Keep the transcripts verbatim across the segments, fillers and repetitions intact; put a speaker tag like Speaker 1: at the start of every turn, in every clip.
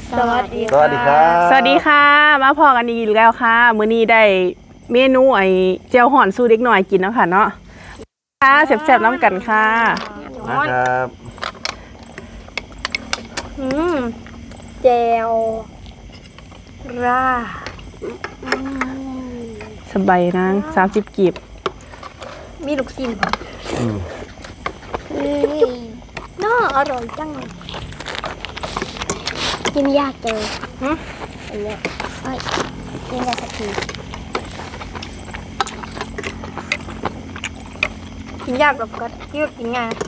Speaker 1: สวัสดี
Speaker 2: สวัสดีครับ
Speaker 3: สวัสดีค่ะมาพอกันอีกแล้วค่ะมื้อนี้ได้เมนูไอ้เจียวห่อนสู้เด็กหน่อยกินแล้วค่ะเนาะค่ะแซ่บๆน้ำกันค่ะ
Speaker 2: นะครับ
Speaker 1: อืมแจวราอืม
Speaker 3: สบายนางสามสิบกีบ
Speaker 1: มีลูกชิ้น
Speaker 2: อืม
Speaker 1: น่าอร่อยจังกินยากจังฮะอันเนี้ยเอ้ยกินได้สักทีกินยากแบบก็ที่กินง่าย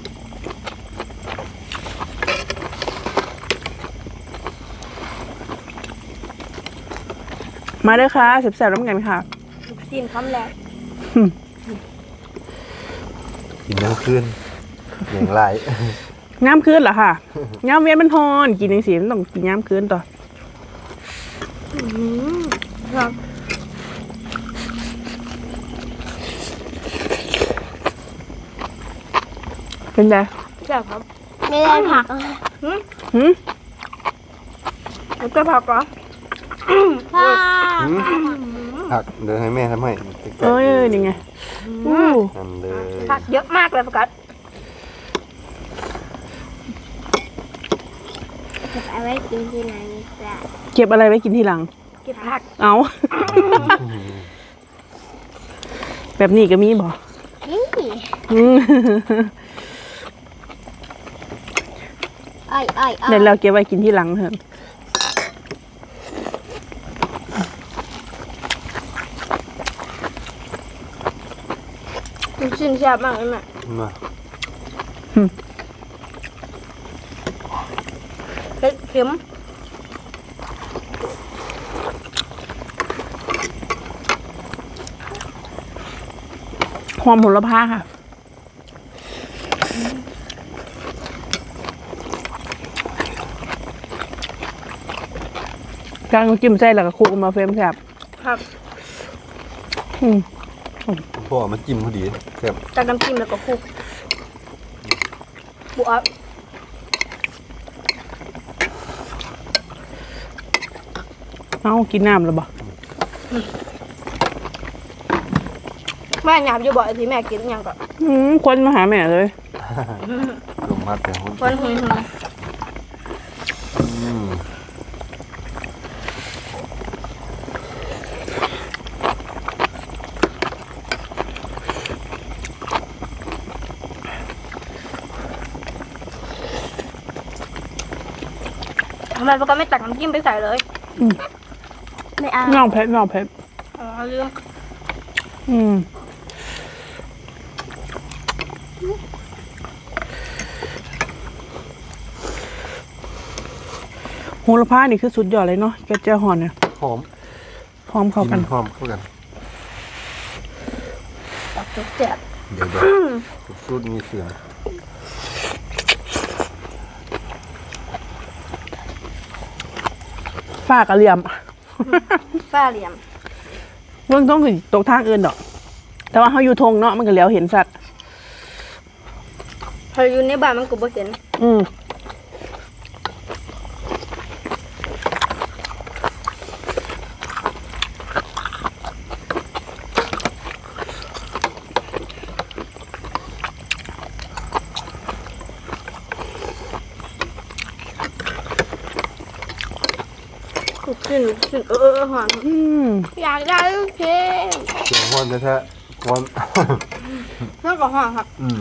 Speaker 3: มาเด้อค่ะแซ่บๆน้ำกันค่ะ
Speaker 1: ลูกชิ้นคำแรก
Speaker 2: กินน้ำคืนอย่างไร
Speaker 3: ย้ำคืนเหรอค่ะย้ำเวียนมันฮอนกินอย่างสีมันต้องกินย้ำคืนต่อ
Speaker 1: อืมครับ
Speaker 3: เป็นไง
Speaker 1: แซ่บครับไม่ได้ผักหืม
Speaker 3: หืม
Speaker 1: แล้วก็ผักเหรอผัก
Speaker 2: อืมผักเดี๋ยวให้แม่ทำให้
Speaker 3: เอ้ยนี่ไงอู้
Speaker 2: ทำเลย
Speaker 1: ผักเยอะมากเลยโฟกัสเก็บเอาไว้กินที่ไหนจ้ะ
Speaker 3: เก็บอะไรไว้กินทีหลัง
Speaker 1: เก็บผัก
Speaker 3: เอา แบบนี้ก็มีบ่
Speaker 1: นี่
Speaker 3: อืม
Speaker 1: อ้อยอ้อยอ้อย
Speaker 3: เดี๋ยวเราเก็บไว้กินทีหลังเถอะ
Speaker 1: ลูกชิ้นแซ่บมากเลยแม่
Speaker 2: มา
Speaker 1: เผ็ดเค็ม
Speaker 3: หอมโหระพาค่ะกลางจิ้มใส่แล้วก็คลุกออกมาเฟรมแซ่บ
Speaker 1: ครับ
Speaker 3: อืม
Speaker 2: พ่อมาจิ้มพอดีแซ่บ
Speaker 1: จากน้ำจิ้มแล้วก็คลุกบวบ
Speaker 3: เอากินน้ำแล้วบ่
Speaker 1: แม่หยาบอยู่บ่อยที่แม่กินอย่างก็
Speaker 3: อืมคนมาหาแม่เลย
Speaker 2: ลงมาแต่หุ้น
Speaker 1: คนหึงหึง
Speaker 2: อืม
Speaker 1: ทำไมพวกก็ไม่ตักน้ำจิ้มไปใส่เลย
Speaker 3: อืม
Speaker 1: ไม่เอา
Speaker 3: น้องเพชรน้องเพชร
Speaker 1: อ๋อเรื่อง
Speaker 3: อืมโหระพานี่คือสุดยอดเลยเนาะแกเจ้าหอนเนี่ย
Speaker 2: หอม
Speaker 3: พร้อมเข้ากัน
Speaker 2: หอมเข้ากัน
Speaker 1: ตักจุกเจ็บ
Speaker 2: เดี๋ยวเดี๋ยวสูตรมีเสียง
Speaker 3: ฝ้ากระเหลี่ยม
Speaker 1: ฝ้าเหลี่ยม
Speaker 3: เรื่องต้องถึงตกทางอื่นดอก แต่ว่าเขาอยู่ทงเนาะมันก็เหลียวเห็นสัตว์
Speaker 1: พออยู่ในบ้านมันก็บ่เห็น
Speaker 3: อืม
Speaker 1: ลูกชิ้นลูกชิ้นเออเออหอน
Speaker 3: อืม
Speaker 1: อยากได้ลูกชิ้น
Speaker 2: เสียงฮ้อนแท้ๆฮ้อน
Speaker 1: แล้วก็หอนครับ
Speaker 2: อืม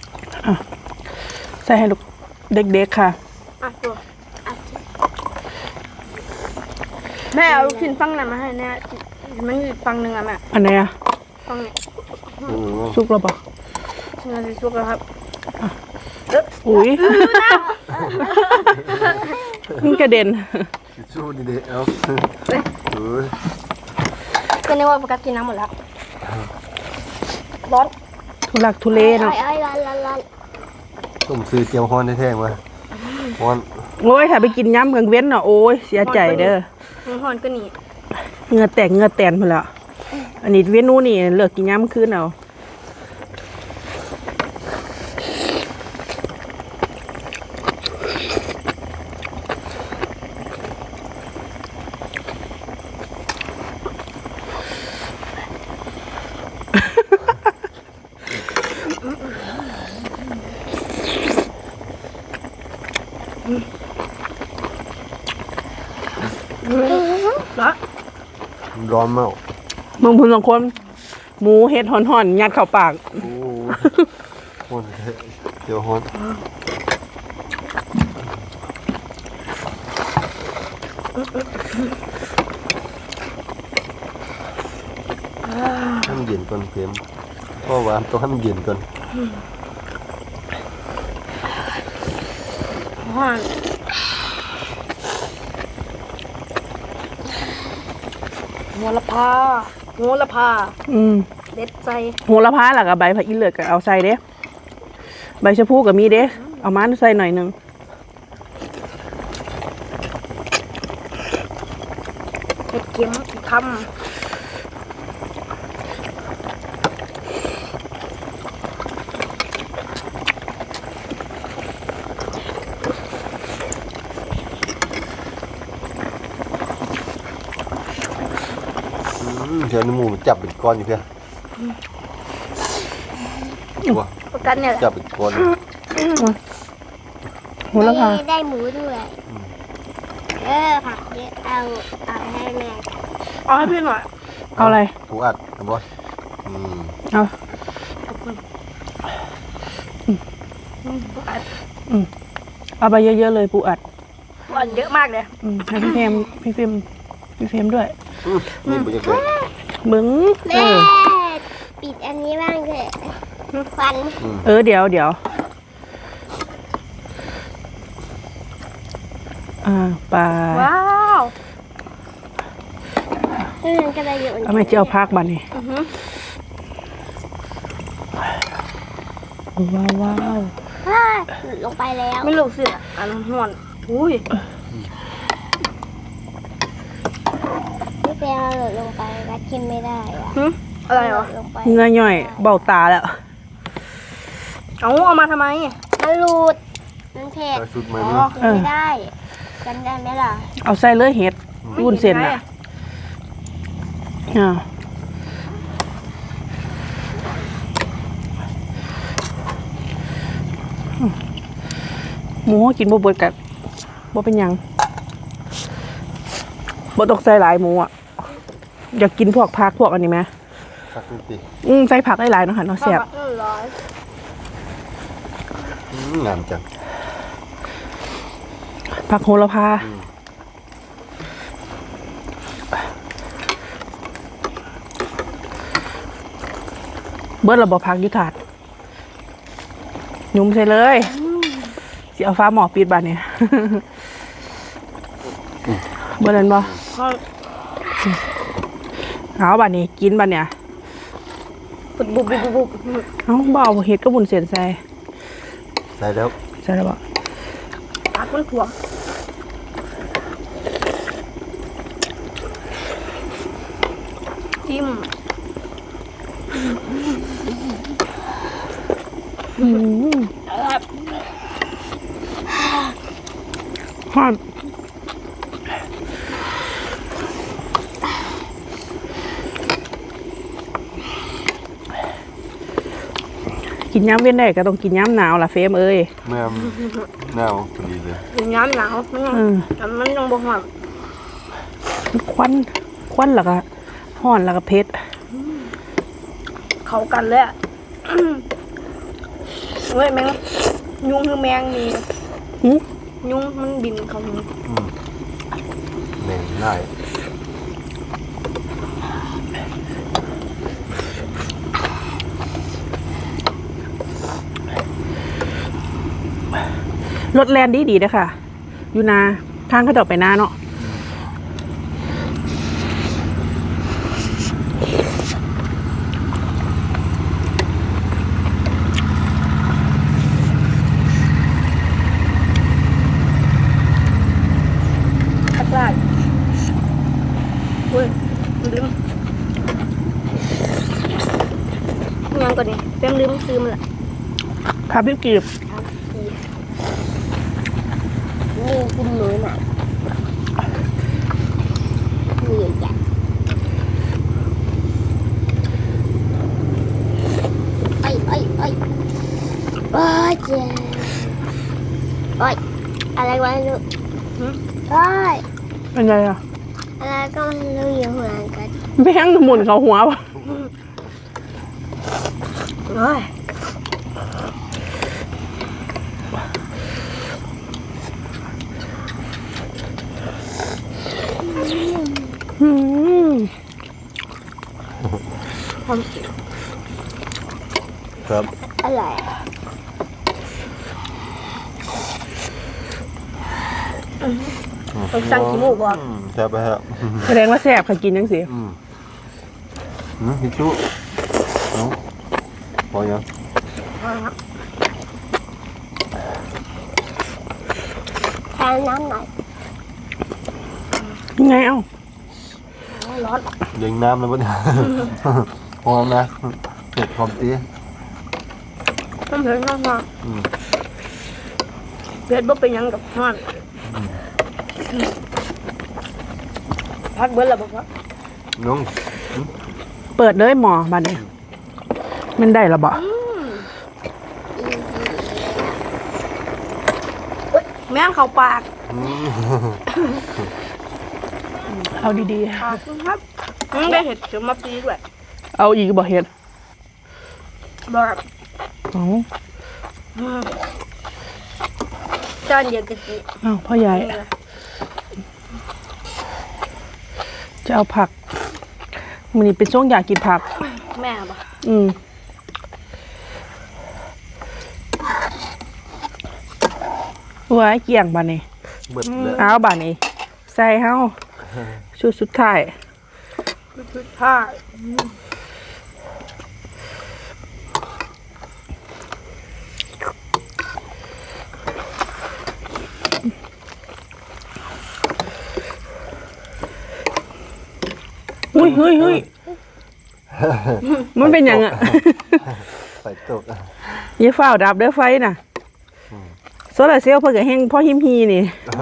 Speaker 3: ใส่ให้ลูกเด็กๆค่ะ
Speaker 1: อ่ะตัวอ่ะแม่เอาลูกชิ้นฟังนั้นมาให้แน่มันอยู่ฟังหนึ่งอ่ะแม่
Speaker 3: อันไหนอะ
Speaker 1: ฟังนี้
Speaker 2: อืม
Speaker 3: สุกแล้วปะ
Speaker 1: เงินสุกแล้วครับ
Speaker 3: อุ้ยมันกระเด็น
Speaker 2: ทิชชู่ดีๆเอาเออ
Speaker 1: ก็นึกว่าโฟกัสกินน้ำหมดแล้วร้อน
Speaker 3: ทุลักทุเลเนาะ
Speaker 1: ไอ้ร้อนร้อนร้อน
Speaker 2: ต้มซื้อเจียวฮ้อนแท้ๆมาฮ้อน
Speaker 3: โอ้ยถ้าไปกินย้ำกลางเว้นเนาะโอ้ยเสียใจเด้อ
Speaker 1: หอนก็หนี
Speaker 3: เหงือแตกเหงือแตนพุ่นละอันนี้เว้นนู้นนี่เลิกกินย้ำคืนเอา
Speaker 1: แล้ว
Speaker 2: ร้อนมาก
Speaker 3: มึงพูนสองคนหมูเห็ดห่อนๆยัดเข้าปาก
Speaker 2: โอ้โหเจียวฮ้อนให้มันเย็นก่อนเค็มเพราะว่าต้องให้มันเย็นก่อน
Speaker 1: ห่อนหัวละพาหัวละพา
Speaker 3: อืม
Speaker 1: เด็ดใจ
Speaker 3: โหระพาหลักกับใบผักอีเลือดก็เอาใส่เด้ใบชะพูกับมีเด้เอามาใส่หน่อยหนึง
Speaker 1: เห็ดเข็มท
Speaker 2: เดี๋ยวน้ำหมูมันจับเป็นก้อนอยู่เพื่อนว้า
Speaker 1: ำประกันเนี่ยแหละ
Speaker 2: จับเป็นก้อน
Speaker 3: โหระพา
Speaker 4: ได้ได้หมูด้วยเออผักเยอะเอาเอาให้แม่
Speaker 1: เอาให้พี่หน่อย
Speaker 3: เอาอะไร
Speaker 2: ผูอัดนะบอสอืม
Speaker 3: เอา
Speaker 1: ขอบคุณ
Speaker 3: เอาไปเยอะๆเลยปูอัด
Speaker 1: หวานเยอะมากเลย
Speaker 3: อืมให้พี่เฟรมพี่เฟรมพี่เฟรมด้วย
Speaker 2: อืมนี่มันจะเกิด
Speaker 3: มึงเอ
Speaker 4: แม่
Speaker 3: อ
Speaker 4: ปิดอันนี้บ้างเถอะควัน
Speaker 3: เออเดี๋ยวเดี๋ยวอ่าปลา
Speaker 1: ว้าว
Speaker 4: เพื่อนก็เลยอยู่
Speaker 3: เอาไม่เจียวพักบันนี่
Speaker 1: อือหือ
Speaker 3: ว้าวว้าว
Speaker 4: ว้าหลุดลงไปแล้ว
Speaker 1: ไม่รู้สิอ่ะอันห่อนอุ้ย
Speaker 4: พี่เปียหลุดลงไปวัดกินไม่ได้อะ
Speaker 1: หึอะไรเหรอ
Speaker 4: หลุดลงไป
Speaker 3: เงยย่อยเบ้าตาแล้ว
Speaker 1: เอาเอามาทำไม
Speaker 4: มันหลุดมันเผ็ด
Speaker 2: ใส่ชุดใหม่
Speaker 1: อ๋
Speaker 2: มั้
Speaker 1: อ
Speaker 2: ย
Speaker 4: กินไม่ได้จำได้ไหมล่ะ
Speaker 3: เอาใส่เลยเห็ดวุ้นเส้นอ่ะอ่าหมูกินบ่เบิดกับ่เป็นหยังบ่ตกใส่หลายหมูอ่ะอยากกินพวกผักพวกอันนี้ไหม
Speaker 2: สักนิดดิ
Speaker 3: อืมใส่ผักได้หลายเนาะค่ะเนาะแซ่บ
Speaker 1: เออร้อย
Speaker 2: อืมงามจัง
Speaker 3: ผักโหระพาเบิดระบบผักอยุถาดยุ่มใส่เลยสิเอาฟ้าหมอปิดบานเนี่ย เบิดนั้นบ่
Speaker 1: ห่อน
Speaker 3: เอาบานนี้กินบานเนี่ย
Speaker 1: บุบบุบบุบบุบ
Speaker 3: เอาบ่เอาเห็ดก็บุญเสียนใส่
Speaker 2: ใส่แล้ว
Speaker 3: ใส่แล้วบ่
Speaker 1: ปากมันถ่วงจิ้ม
Speaker 3: อืมฮอนกินย้ำเว้นได้ก็ต้องกินย้ำหนาวล่ะเฟมเอ้ย
Speaker 2: แม่มหนาวพอดีเลย
Speaker 1: เป็นน้ำหนาวมันยัง
Speaker 3: อืม
Speaker 1: แต่มันยังบ่หอม
Speaker 3: ควันควันแล้วก็ห่อนแล้วก็เผ็ด
Speaker 1: เข้ากันเลยอ่ะ เฮ้ยแมงยุงคือแมงนี่
Speaker 3: หึ
Speaker 1: ยุงมันบินเข้าหู
Speaker 2: อืมแหน่งได้
Speaker 3: รถแลนดีดีเลยค่ะ อยู่นาทางเขาจะออกไปนาเนาะ
Speaker 1: ตะกร้าเฮ้ยลืมยังก่อนนี่เพิ่งลืมซื้อมันละ
Speaker 3: ครับพี่กีบ
Speaker 4: นี่กินหมูหน่อยนี่ใหญ่ไอ้ไอ้ไอ้โอ้ยเจ๊โอ้ยอะไรวะลูกโอ้ย
Speaker 3: เป็นไงอ่ะ
Speaker 4: อะไรก็ไม่รู้อยู่เหมือนกัน
Speaker 3: แม่งหมุนเขาหัวปะ
Speaker 1: เฮ้ย
Speaker 3: อืม
Speaker 2: ครับ
Speaker 4: อะไร
Speaker 1: ต้องสั่งขี้มูกบ่
Speaker 2: อืมแซ่บไปฮะ
Speaker 3: แสดงว่าแซ่บค่ะกินจังสิ
Speaker 2: อืมอืมพี่จุเนาะพอยัง
Speaker 4: แทนน้ำหน่อย
Speaker 3: ยังไงเอ้า
Speaker 1: ร้อน
Speaker 2: ยิงน้ำแล้วปะเนี่ยหอมนะเผ็ดหอมตี
Speaker 1: น้ำเผ็ดมาก
Speaker 2: อืม
Speaker 1: ๆเผ็ดบ่เป็นหยังกับร้อนพักเบิ้ลแล้วบอกว่า
Speaker 2: น้อง
Speaker 3: เปิดเลยหมอบัดนี้มันได้ละบ่
Speaker 1: แม่งเข้าปาก
Speaker 2: อืม
Speaker 3: เอาดี
Speaker 1: ขอบคุณครับอืมได้เห็ดเขียวมาปีด้วย
Speaker 3: ๆเอาอีกบ่เฮ็ด
Speaker 1: บอก
Speaker 3: เอ้า
Speaker 1: อืมจานเดียวกันสิ
Speaker 3: เอ้าพ่อใหญ่จะเอาผักมันนี่เป็นช่วงอยากกินผัก
Speaker 1: แม่บอก
Speaker 3: อืมไว้เกี่ยงบานนี้
Speaker 2: เบิดเลย
Speaker 3: เอาบานนี้ใส่เฮาชุดสุดท้าย
Speaker 1: คือผ้า
Speaker 3: เฮ้ยเฮ้ยเฮ้ยมันเป็นหยังอ่ะ
Speaker 2: ไฟตกอ่ะ
Speaker 3: อย่าฝ้าวดับเด้อไฟน่ะโซลาร์เซลล์เพิ่นก็แฮงพ่อหิมฮีนี่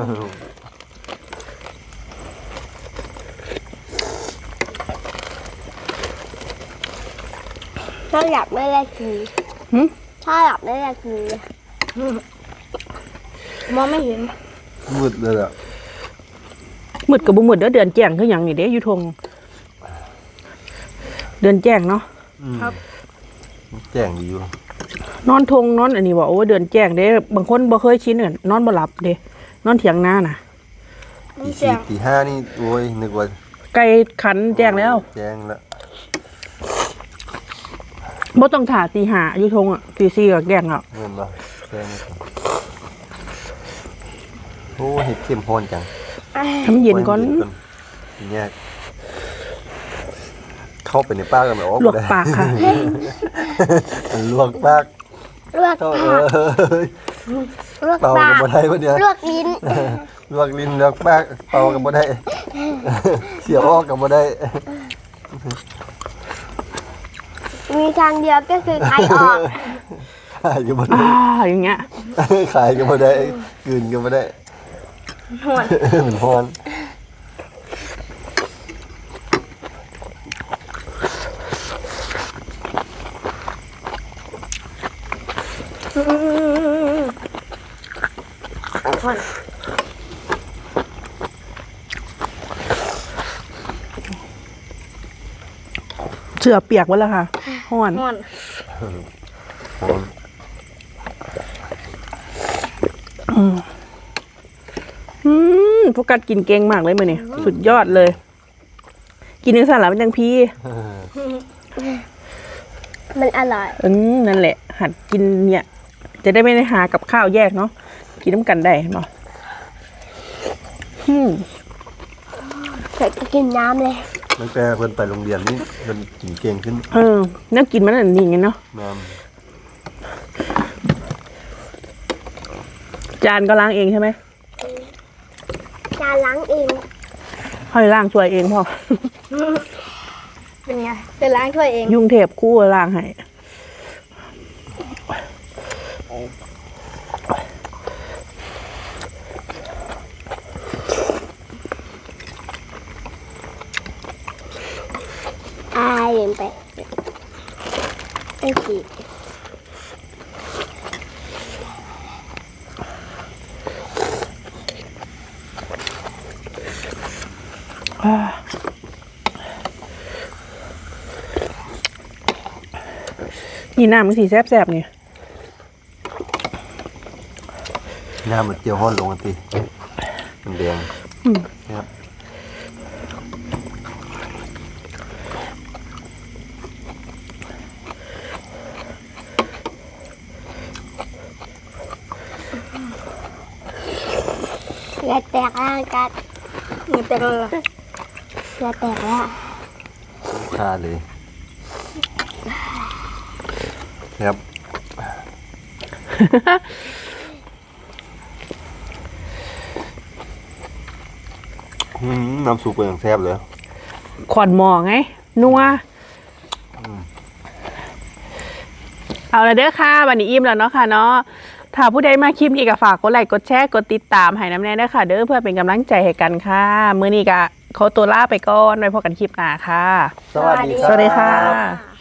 Speaker 4: ถ้าอยากไม่ได้กิน
Speaker 3: หึ
Speaker 4: ถ้าอยากไม่ได้กิน
Speaker 1: มองไม่เห็น
Speaker 2: มืดเลยอ่ะ
Speaker 3: มืดกับบ่มืดเด้อเดือนแจ้งคือหยังนี่เด้อยู่ทงเดือนแจ้งเนาะ
Speaker 2: อืมแจ้งดีอยู่
Speaker 3: นอนทงนอนอันนี้บ่โอ้เดือนแจ้งเด้บางคนบ่เคยชินเนี่ยนอนบ่หลับเด้นอนเถียงนาน่ะ
Speaker 2: ตีสี่ตีห้านี่โอ้ยนึกว่า
Speaker 3: ไก่ขันแจ้งแล้ว
Speaker 2: แจ้งแล้ว
Speaker 3: บ่ต้องถ่าตีห้าอยู่ทงอ่ะตีสี่ก็แกล้งแล้ว
Speaker 2: เงินบ่แจ้งไม่ถึงโอ้เห็ดเข้มข้นจัง
Speaker 3: ทำเย็นก่อน
Speaker 2: ทีเนี้ยเข้าไปในปากกันแบบโอ้
Speaker 3: ลวกปากค่ะ
Speaker 2: มันลวกปาก
Speaker 4: ลวก
Speaker 2: เข้า
Speaker 4: ปาก
Speaker 2: เอ้ย
Speaker 4: ลวก
Speaker 2: เป่า
Speaker 4: ปา
Speaker 2: กับ
Speaker 4: ก
Speaker 2: บ่ได้ปะเนี่ย
Speaker 4: ลวกลิ้น
Speaker 2: ลวกลิ้นลวกปากเป่ากับบ่ได้ เสียออกกับบ่ได้
Speaker 4: มีทางเดียวก็คือไข่ออก
Speaker 2: ขายกับบ่ได้
Speaker 3: อ่าอย่างเงี้ย
Speaker 2: ขายกับบ่ได้กลืนกับบ่ได้
Speaker 1: หวน
Speaker 2: เหมือนพร
Speaker 1: หวน
Speaker 3: เสือเปียกไว้แล้วค่ะห้อน
Speaker 1: หวน
Speaker 2: พร
Speaker 3: อืมโฟกัสกินเก่งมากเลยมื้อนี้สุดยอดเลย กินจังซั่นล่ะมันจังพี่
Speaker 4: มันอร่อย
Speaker 3: อืมนั่นแหละ หัดกินเนี่ย จะได้ไม่ได้หากับข้าวแยกเนาะกินน้ำกันได้เนาะอืม
Speaker 4: เสร็จก็กินน้ำเลย
Speaker 2: ตั้งแต่เพิ่นไปโรงเรียนนี่เพิ่นกินเก่งขึ้น
Speaker 3: เออน่ากินมันอันนี้ไงเนาะ
Speaker 2: แม่น
Speaker 3: จานก็ล้างเองใช่ไหม
Speaker 4: จานล้างเอง
Speaker 3: ค่อยล้างช่วยเองพ่อ
Speaker 1: เป็นไงเป็นล้างถ้วยเอง
Speaker 3: ยุ่งเทปคู่ล้างให้
Speaker 4: อายเห็นไปไอ้สิ
Speaker 3: นี่น้ำมันสีแซ่บๆนี่
Speaker 2: หน้ามันเจียวห้อนลงกันทีมันแดงครับ
Speaker 4: เหงื่อแตกแล้วกัน
Speaker 1: เงินแต่ก็
Speaker 4: เหงื่อแตกแล้ว
Speaker 2: ชาเลยครับ อืมน้ำซุปเป็นอย่างแซ่บเลย
Speaker 3: ขอนหมอไง นัว เอาละเด้อค่ะวันนี้อิ่มแล้วเนาะค่ะเนาะถ้าผู้ใดมาคลิปนี้ก็ฝากกดไลค์กดแชร์กดติดตามให้น้ำแน่เด้อค่ะ เด้อเพื่อเป็นกำลังใจให้กันค่ะมื้อนี้ก็ขอตัวลาไปก่อนไว้พบกันคลิปหน้าค่ะ
Speaker 2: สวัสดีครับ
Speaker 3: สวัสดีค่ะ